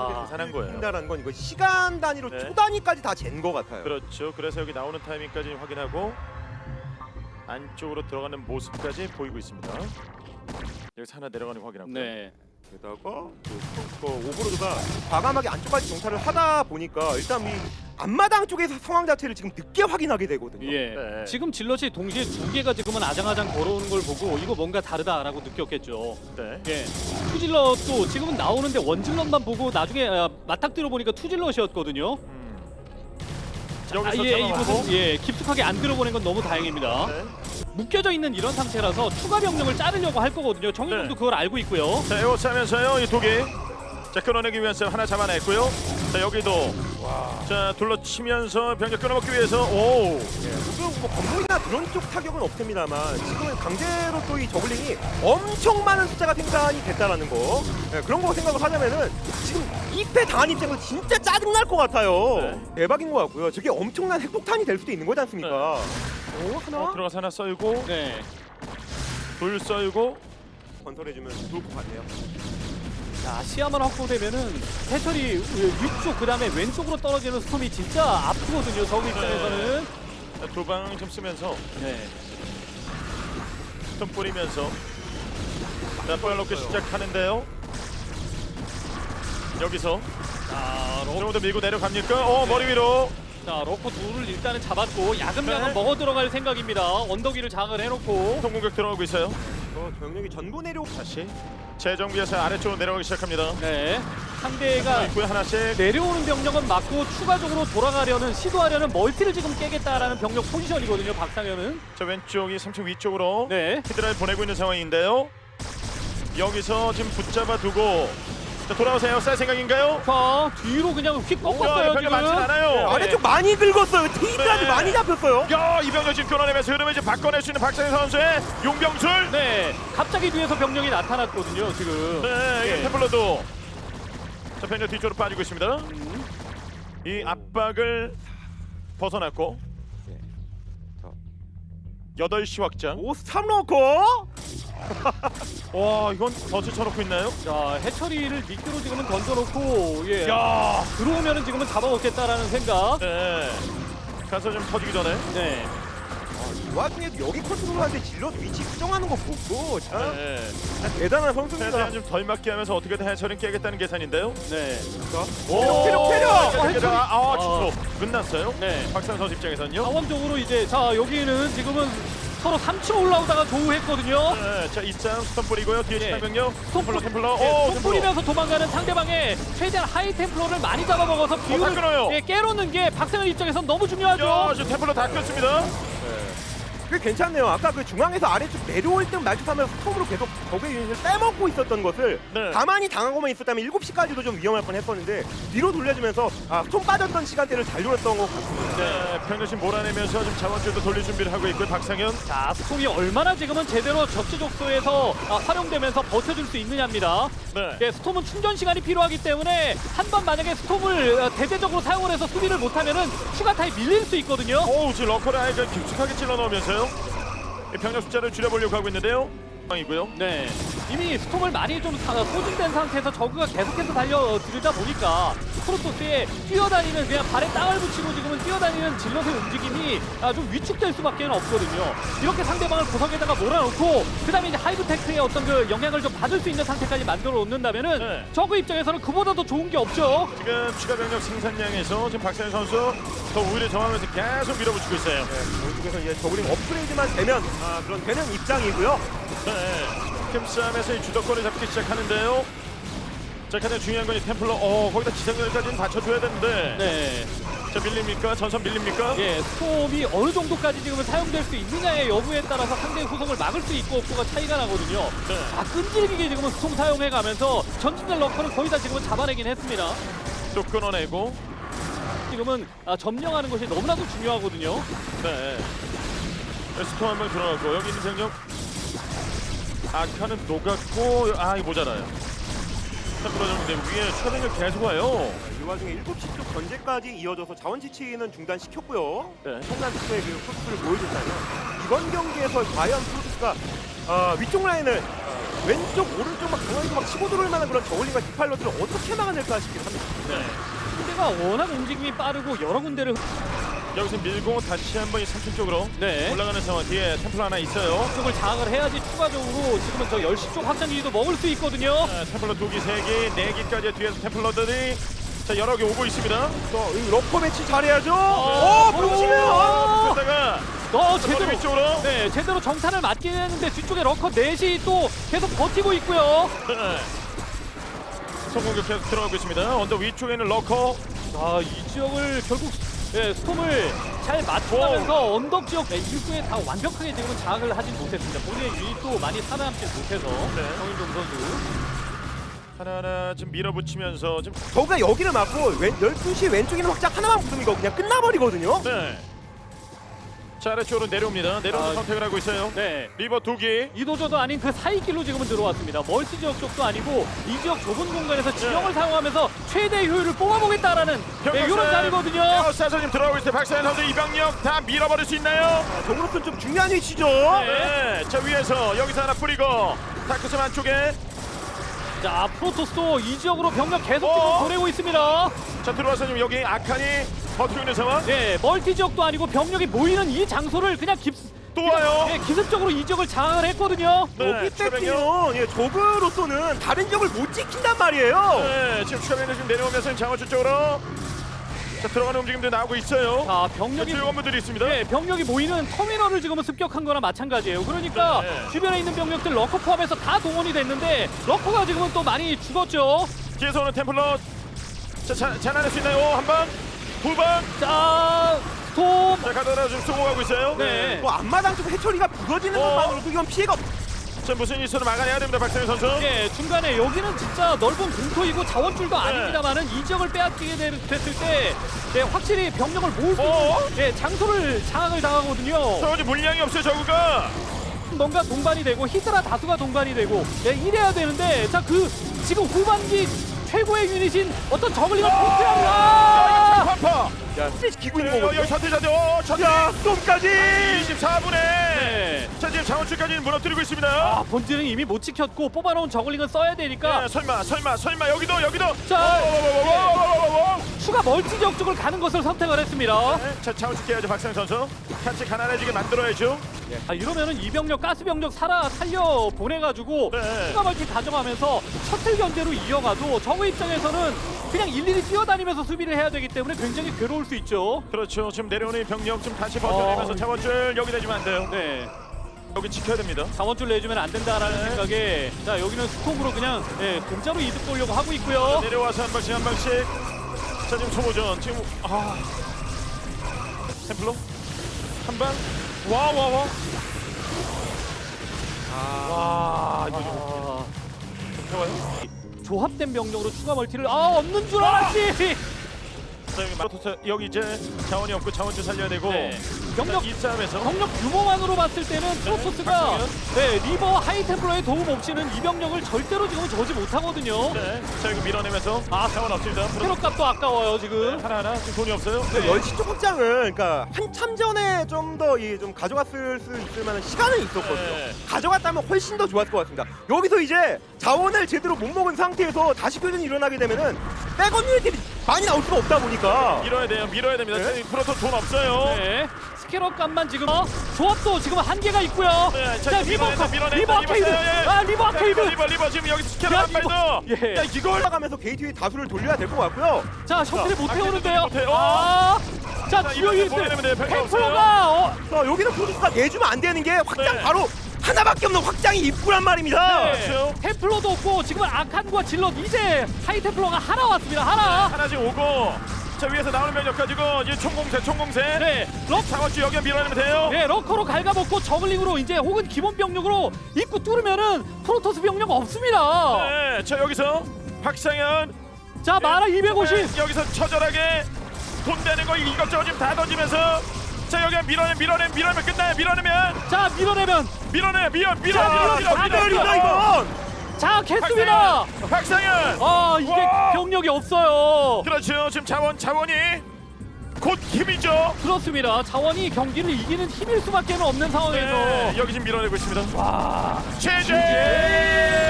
계산한 거예요. 한다는 건 이거 시간 단위로 네. 초 단위까지 다 잰 것 같아요. 그렇죠. 그래서 여기 나오는 타이밍까지 확인하고 안쪽으로 들어가는 모습까지 보이고 있습니다. 여기서 하나 내려가는 거 확인하고. 네. 게다가 그 오버로드가 과감하게 안쪽까지 정찰을 하다 보니까 일단 이 앞마당 쪽에서 상황 자체를 지금 늦게 확인하게 되거든요. 예. 네. 지금 질럿이 동시에 두 개가 지금은 아장아장 걸어오는 걸 보고 이거 뭔가 다르다라고 느꼈겠죠. 네. 예. 투질럿도 지금은 나오는데 원질럿만 보고 나중에 맞닥뜨려 보니까 투질럿이었거든요. 여기서 예, 잡아먹고. 이곳은 예, 깊숙하게 안 들어보낸 건 너무 다행입니다. 네. 묶여져 있는 이런 상태라서 추가 병력을 자르려고 할 거거든요. 정윤동도 네. 그걸 알고 있고요. 자, 이거 싸면서요. 이 독이. 자, 끊어내기 위해서 하나 잡아냈고요. 자, 여기도. 자, 둘러치면서 병력 끊어먹기 위해서. 오. 지금 뭐 건물이나 그런 쪽 타격은 없습니다만 지금은 강제로 또 이 저글링이 엄청 많은 숫자가 생산이 됐다라는 거 그런 거 생각을 하자면은 지금 2패 당한 입장에서 진짜 짜증날 것 같아요. 네. 대박인 것 같고요. 저게 엄청난 핵폭탄이 될 수도 있는 거지 않습니까? 오 하나 들어가서 하나 썰고 네. 둘 썰고. 건설해주면 좋을 것 같네요. 자, 시야만 확보되면은 해철이 위쪽 그다음에 왼쪽으로 떨어지는 스톰이 진짜 아프거든요. 저그 입장에서는. 두 방 좀 쓰면서 네. 좀 뿌리면서. 자, 빨놓고 시작하는데요. 여기서 자, 정도 밀고 내려갑니까? 머리 위로. 자, 러커 둘을 일단은 잡았고 야금야금 네. 먹어 들어갈 생각입니다. 언덕 위를 장을 해놓고. 통공격 들어가고 있어요. 병력이 전부 내려. 다시 재정비해서 아래쪽으로 내려가기 시작합니다. 네. 상대가 있고요 하나씩. 내려오는 병력은 맞고 추가적으로 돌아가려는 시도하려는 멀티를 지금 깨겠다라는 병력 포지션이거든요. 박상현은. 저 왼쪽이 3층 위쪽으로 네. 히드라를 보내고 있는 상황인데요. 여기서 지금 붙잡아 두고 자, 돌아오세요. 쌀 생각인가요? 자, 뒤로 그냥 휙 꺾었어요. 별로 많지 않아요. 네, 아래쪽 많이 긁었어요. 테이크까지 네. 많이 잡혔어요. 야, 이병렬 지금 끊어내면서 흐름을 이제 바꿔낼 수 있는 박상현 선수의 용병술. 네. 갑자기 뒤에서 병력이 나타났거든요. 지금. 네, 네. 이 템플러도 자, 병렬 뒤쪽으로 빠지고 있습니다. 이 압박을 벗어났고 네. 자. 8시 확장. 오 스탑 넣고. 와, 이건 덫을 쳐놓고 있나요? 자, 해처리를 미끼로 지금은 던져놓고 예. 야, 들어오면은 지금은 잡아먹겠다라는 생각. 네. 가서 좀 터지기 전에. 네. 이 와중에도 여기 컨트롤하는데 질럿 위치 수정하는 거 보고 참 네. 대단한 선수입니다. 최대한 좀 덜 맞게 하면서 어떻게든 해처리는 깨겠다는 계산인데요. 네. 체력. 해처리. 취소. 끝났어요. 네. 박상 선수 입장에서는요. 자원적으로 이제 자 여기는 지금은 서로 3층 올라오다가 조우했거든요. 네, 자, 이장 스톰 뿌리고요. 뒤에 네. 신하병력. 템플러. 네, 템플러. 뿌리면서 도망가는 상대방의 최대한 하이 템플러를 많이 잡아먹어서 다 비율을 끊어요. 예, 깨놓는 게 박상현 입장에선 너무 중요하죠. 야, 지금 템플러 다 꼈습니다. 그게 괜찮네요. 아까 그 중앙에서 아래쪽 내려올 때 말투하면서 스톱으로 계속 적의 유닛을 빼먹고 있었던 것을 네. 가만히 당하고만 있었다면 7시까지도 좀 위험할 뻔했었는데 뒤로 돌려주면서 스톱 빠졌던 시간대를 잘 노렸던 것 같습니다. 네, 병력심 몰아내면서 지금 자원줄도 돌릴 준비를 하고 있고요. 박상현. 자, 스톰이 얼마나 지금은 제대로 적재적소에서 활용되면서 버텨줄 수 있느냐입니다. 네. 예, 스톰은 충전 시간이 필요하기 때문에 한 번 만약에 스톰을 대대적으로 사용을 해서 수비를 못하면은 추가 타임 밀릴 수 있거든요. 지금 러커를 아예 깊숙하게 찔러 넣으면서요. 이 병력 숫자를 줄여보려고 하고 있는데요. 상황이고요. 네, 이미 스톰을 많이 좀 소진된 상태에서 저그가 계속해서 달려들다 보니까 프로토스의 뛰어다니는 그냥 발에 땅을 붙이고 지금은 뛰어다니는 질럿의 움직임이 좀 위축될 수밖에 없거든요. 이렇게 상대방을 구석에다가 몰아놓고 그 다음에 이제 하이브테크의 어떤 그 영향을 좀 받을 수 있는 상태까지 만들어 놓는다면은 네. 저그 입장에서는 그보다 더 좋은 게 없죠. 지금 추가 병력 생산량에서 지금 박상현 선수 더 우위를 점하면서 계속 밀어붙이고 있어요. 이쪽에서 이제 저그링 업그레이드만 되면 그런 되는 입장이고요. 네. 팀 싸움에서 이 주도권을 잡기 시작하는데요. 자, 가장 중요한 건 이 템플러. 거기다 지상렬까지는 받쳐줘야 되는데. 네. 자, 밀립니까? 전선 밀립니까? 예, 스톰이 어느 정도까지 지금은 사용될 수 있느냐의 여부에 따라서 상대의 후속을 막을 수 있고 없고가 차이가 나거든요. 네. 끈질기게 지금은 스톰 사용해가면서 전진될 러커를 거의 다 지금은 잡아내긴 했습니다. 또 끊어내고. 지금은 점령하는 것이 너무나도 중요하거든요. 네. 스톰 한번 들어가고 여기 있는 병력. 아카는 녹았고 이거 모자라요. 템플러 정도 위에 추가 병력 계속 와요. 이 와중에 7시 쪽 견제까지 이어져서 자원 지치는 중단시켰고요. 네. 엄청난 수의 그 포스를 보여줬다면 이번 경기에서 과연 프로토스가 위쪽 라인을 왼쪽 오른쪽 막 강하게 막 치고 들어올 만한 그런 저울링과 디팔러들을 어떻게 막아낼까 싶긴 합니다. 네. 상대가 워낙 움직임이 빠르고 여러 군데를 여기서 밀고 다시 한번 이 3층 쪽으로 네. 올라가는 상황. 뒤에 템플 하나 있어요. 쪽을 장악을 해야지 추가적으로 지금은 저 10시 쪽 확장기지도 먹을 수 있거든요. 템플러 2기, 3기, 4기까지 뒤에서 템플러들이 자 여러 개 오고 있습니다. 이 러커 매치 잘해야죠. 어, 붙이면 그러다가 제대로 위쪽으로 네, 제대로 정탄을 맞긴 했는데 뒤쪽에 러커 넷이 또 계속 버티고 있고요. 네. 성공격 계속 들어가고 있습니다. 언더 위쪽에 있는 러커. 이 지역을 결국 스톰을 잘 맞춰가면서 언덕 지역 입구에 다 완벽하게 지금은 장악을 하진 못했습니다. 본인의 유닛도 많이 살아남지 못해서 정인종 선수. 하나하나 좀 밀어붙이면서 좀 저가 여기를 막고 12시 왼쪽에 있는 확장 하나만 붙으면 이거 그냥 끝나버리거든요. 네. 자 아래쪽으로 내려옵니다. 내려오는 선택을 하고 있어요. 네. 리버 2기. 이도저도 아닌 그 사이길로 지금은 들어왔습니다. 멀티 지역 쪽도 아니고 이 지역 좁은 공간에서 지형을 사용하면서 최대 효율을 뽑아보겠다라는 이런 자리거든요. 에어사서님 들어오고 있을 때 박사현 선수 이병력 다 밀어버릴 수 있나요? 저으로서는 좀 중요한 위치죠. 네. 자 위에서 여기서 하나 뿌리고 다크섬 안쪽에 자 프로토스도 이 지역으로 병력 계속 어? 지금 보내고 있습니다. 자 들어와서 지금 여기 아칸이 버티고 있는 상황. 네, 멀티 지역도 아니고 병력이 모이는 이 장소를 그냥 또 와요. 기습적으로 이 지역을 장악을 했거든요. 네, 여기 추가병력. 뺏기면 저그로서는 다른 지역을 못 지킨단 말이에요. 네, 지금 추가병력 지금 내려오면서 장어주 쪽으로 자 들어가는 움직임도 나오고 있어요. 자, 병력이 건물들이 있습니다. 네, 병력이 모이는 터미널을 지금은 습격한 거나 마찬가지예요. 그러니까 네. 주변에 있는 병력들 러커 포함해서 다 동원이 됐는데 러커가 지금은 또 많이 죽었죠. 뒤에서 오는 템플러 자 잔안할 수 있나요? 한 방, 두 방. 자, 스톰. 자 가다가 좀 쏘고 가고 있어요. 네. 뭐 앞마당 쪽 해처리가 부서지는 것만으로도 이건 피해가 자 무슨 일이 있어도 막아내야 됩니다, 박상현 선수. 예, 중간에 여기는 진짜 넓은 공터이고 자원줄도 아닙니다만은 이 지역을 빼앗기게 됐을 때 확실히 병력을 모을 수 있는 장소를 장악을 당하거든요. 자 이제 물량이 없어요, 저구가. 뭔가 동반이 되고 히드라 다수가 동반이 되고 이래야 되는데 자 그 지금 후반기 최고의 유닛인 어떤 저글링을 포트합니다. 파파. 야, 기고 있는 여기 거거든요. 셔틀 셔틀. 야, 쏨까지. 24분에. 네. 자 지금 장원줄까지 무너뜨리고 있습니다. 아, 본질은 이미 못 지켰고 뽑아놓은 저글링은 써야 되니까 설마 여기도. 자, 오. 추가 멀티 지역 쪽을 가는 것을 선택을 했습니다. 자 장원줄 깨야죠, 박상현 선수. 같이 가난해지게 만들어야죠. 이러면은 이병력 가스병력 살려 보내가지고 네. 추가 멀티 가져가면서 셔틀 견제로 이어가도 저거 입장에서는 그냥 일일이 뛰어다니면서 수비를 해야 되기 때문에 굉장히 괴로울 수 있죠. 그렇죠. 지금 내려오는 병력 좀 다시 버텨내면서 장원줄 여기 내주면 안 돼요. 네. 여기 지켜야 됩니다. 자원줄 내주면 안 된다라는 생각에 자 여기는 스톰으로 그냥 공짜로 이득 보려고 하고 있고요. 내려와서 한 방씩. 자 지금 소모전 지금 템플러 한 방. 와. 와 이거 좀 좋아요. 조합된 병력으로 추가 멀티를 없는 줄 알았지. 자 여기 마토스 여기 이제 자원이 없고 자원줄 살려야 되고. 네. 병력 이 싸움에서 병력 규모만으로 봤을 때는 프로토스가 리버 하이템플러의 도움 없이는 이 병력을 절대로 지금 저지 못하거든요. 네. 자 여기 밀어내면서 자원 없습니다. 캐럿 값도 아까워요 지금. 하나 지금 돈이 없어요. 네. 10시 쪽 확장은 그러니까 한참 전에 좀 더 좀 가져갔을 수 있을 만한 시간은 있었거든요. 네. 가져갔다면 훨씬 더 좋았을 것 같습니다. 여기서 이제 자원을 제대로 못 먹은 상태에서 다시 교전이 일어나게 되면은 백업 유닛들이 많이 나올 수가 없다 보니까 밀어야 됩니다. 네. 프로토 돈 없어요. 네. 스캐럿 값만 지금 조합도 지금 한계가 있고요. 네, 자 리버 밀어내. 아케이드. 리버 아케이드. 리버 지금 여기 스캐너 야, 한 발 더. 예. 야 이걸 올라가면서 게이트웨이 다수를 돌려야 될 것 같고요. 자 셔틀이 못 아, 태우는데요. 못해요. 자 자, 주요 이거 유닛 보내면 돼요. 별거 템플러가 자, 여기는 프로토스가 내주면 안 되는 게 확장 네. 바로 하나밖에 없는 확장이 입구란 말입니다. 그렇죠. 템플러도 없고 지금은 아칸과 질럿 이제 하이템플러가 하나 왔습니다. 하나. 지금 오고 자 위에서 나오는 병력 가지고 이제 총공세. 네. 장원주 여기 밀어내면 돼요. 네, 러커로 갉아먹고 저글링으로 이제 혹은 기본 병력으로 입구 뚫으면은 프로토스 병력 없습니다. 네, 자 여기서 박상현. 자, 마라 250. 네, 여기서 처절하게 돈 되는 거 이것저것 지금 다 던지면서 자 여기 밀어내면 끝나요. 자, 밀어내면 다들이다 이건. 자, 겠습니다. 박상현. 이게 와. 병력이 없어요. 그렇죠. 지금 자원이 곧 힘이죠. 그렇습니다. 자원이 경기를 이기는 힘일 수밖에 없는 상황에서 네, 여기 지금 밀어내고 있습니다. 와 최재